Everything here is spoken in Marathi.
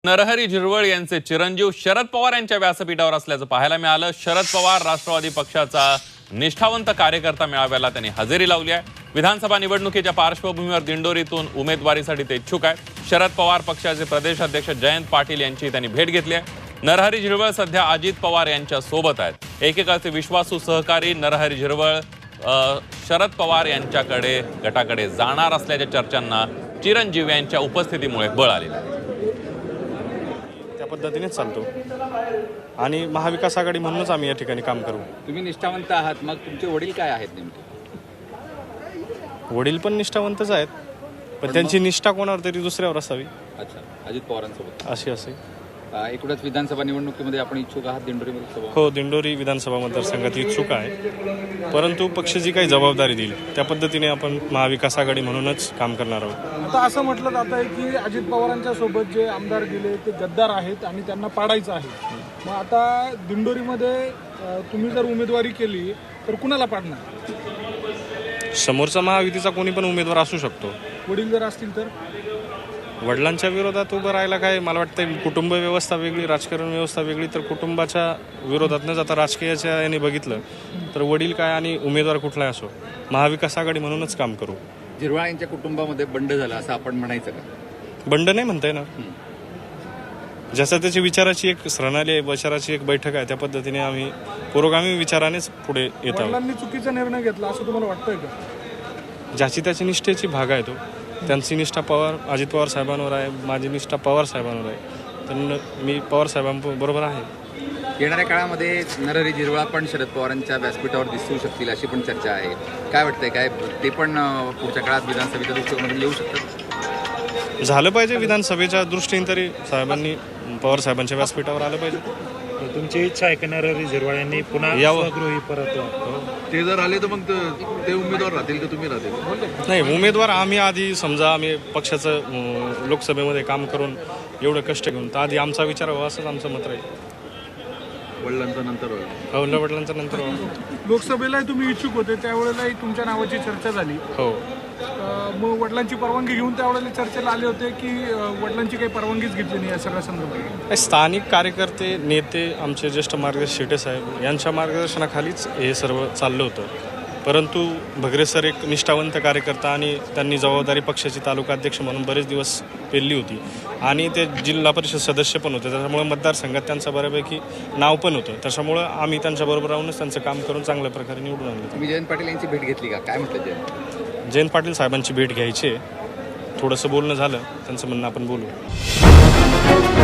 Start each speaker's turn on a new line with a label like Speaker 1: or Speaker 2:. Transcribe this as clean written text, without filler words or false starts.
Speaker 1: नरहरी झिरवळ यांचे चिरंजीव शरद पवार यांच्या व्यासपीठावर असल्याचं पाहायला मिळालं। शरद पवार राष्ट्रवादी पक्षाचा निष्ठावंत कार्यकर्ता मेळाव्याला त्यांनी हजेरी लावली आहे। विधानसभा निवडणुकीच्या पार्श्वभूमीवर दिंडोरीतून उमेदवारीसाठी ते इच्छुक आहेत। शरद पवार पक्षाचे प्रदेश अध्यक्ष जयंत पाटील यांची त्यांनी भेट घेतली आहे। नरहरी झिरवळ सध्या अजित पवार यांच्या सोबत आहेत। एकेकाचे विश्वासू सहकारी नरहरी झिरवळ शरद पवार यांच्याकडे गटाकडे जाणार असल्याच्या चर्चांना चिरंजीव यांच्या उपस्थितीमुळे बळ आलेलं आहे।
Speaker 2: त्या पद्धतीनेच चालतो आणि महाविकास आघाडी म्हणूनच आम्ही या ठिकाणी काम करू।
Speaker 3: तुम्ही निष्ठावंत आहात, मग तुमचे वडील काय आहेत नेमके?
Speaker 2: वडील पण निष्ठावंतच आहेत, पण त्यांची निष्ठा कोणावर तरी दुसऱ्यावर असावी।
Speaker 3: अच्छा, अजित पवारांसोबत
Speaker 2: अशी असे
Speaker 3: एकूणच विधानसभा निवडणुकीमध्ये आपण इच्छुक आहात दिंडोरीमध्ये सभा?
Speaker 2: हो, दिंडोरी विधानसभा मतदारसंघात इच्छुक आहे, परंतु पक्ष जी काही जबाबदारी देईल त्या पद्धतीने आपण महाविकास आघाडी म्हणूनच काम करणार आहोत।
Speaker 4: आता असं म्हटलं जात आहे की अजित पवारांच्या सोबत जे आमदार गेले ते गद्दार आहेत आणि त्यांना पाडायचं आहे। मग आता दिंडोरीमध्ये तुम्ही जर उमेदवारी केली तर कुणाला पाडणार?
Speaker 2: समोरचा महायुतीचा कोणी पण उमेदवार असू शकतो।
Speaker 4: वडील जर असतील तर?
Speaker 2: वडिलांच्या विरोधात उभं राहायला काय, मला वाटतं कुटुंब व्यवस्था वेगळी, राजकारण व्यवस्था वेगळी, तर कुटुंबाच्या विरोधात न जाता राजकीयाच्या याने बघितलं तर वडील काय आणि उमेदवार कुठलाही असो महाविकास आघाडी म्हणूनच काम करू।
Speaker 3: झिरवळ यांच्या कुटुंबामध्ये बंड झाला असं आपण म्हणायचं का?
Speaker 2: बंड नाही म्हणताय ना, जसं त्याची विचाराची एक प्रणाली आहे, विचाराची एक बैठक आहे, त्या पद्धतीने आम्ही पुरोगामी विचारानेच पुढे येत आहोत।
Speaker 4: वडिलांनी चुकीचा निर्णय घेतला असं तुम्हाला वाटतंय का?
Speaker 2: ज्याची त्याची निष्ठेची भाग आहे तो, त्यांची निष्ठा अजित पवार साहेबांवर आहे, माझी निष्ठा पवार साहेबांवर आहे, तर मी पवार साहेबांबरोबर आहे।
Speaker 3: येणाऱ्या काळामध्ये नरहरी झिरवळ पण शरद पवारांच्या व्यासपीठावर दिसू शकतील अशी पण चर्चा आहे। काय वाटतंय, काय ते पण पुढच्या काळात विधानसभेच्या दृष्टिकोनातून येऊ शकतात?
Speaker 2: झालं पाहिजे, विधानसभेच्या दृष्टीने तरी साहेबांनी पवार साहेबांच्या व्यासपीठावर आलं पाहिजे।
Speaker 5: तुमची इच्छा आहे की नरहरी झिरवळ यांनी पुन्हा स्वगृही परत
Speaker 6: ते जर आले तर मग ते उमेदवार राहतील का तुम्ही राहतील?
Speaker 2: नाही, उमेदवार आम्ही आधी समजा आम्ही पक्षाचं लोकसभेमध्ये काम करून एवढं कष्ट घेऊन तर आधी आमचा विचार व्हावा असंच आमचं मत राहील।
Speaker 6: वडिलांचा नंतर
Speaker 2: हो, वडिलांचा नंतर
Speaker 4: लोकसभेलाही तुम्ही इच्छुक होते, त्यावेळेलाही तुमच्या नावाची चर्चा झाली।
Speaker 2: हो,
Speaker 4: मग वडिलांची परवानगी घेऊन त्यावेळेला चर्चेला आले होते की वडिलांची काही परवानगीच घेतली नाही या सगळ्या संदर्भात?
Speaker 2: स्थानिक कार्यकर्ते, नेते, आमचे ज्येष्ठ मार्गदर्शक शेटे साहेब यांच्या मार्गदर्शनाखालीच हे सर्व चाललं होतं, परंतु भगरे सर एक निष्ठावंत कार्यकर्ता आणि त्यांनी जबाबदारी पक्षाची तालुका अध्यक्ष म्हणून बरेच दिवस पेलली होती आणि ते जिल्हा परिषद सदस्य पण होते, त्याच्यामुळे मतदारसंघात त्यांचं बऱ्यापैकी नाव पण होतं, त्याच्यामुळं आम्ही त्यांच्याबरोबर राहूनच त्यांचं काम करून चांगल्या प्रकारे निवडून आणलं।
Speaker 3: तुम्ही जयंत पाटील यांची भेट घेतली का? काय म्हटलं
Speaker 2: जयंत पाटील साहेबांची भेट घ्यायची आहे, थोडंसं बोलणं झालं, त्यांचं म्हणणं आपण बोलू।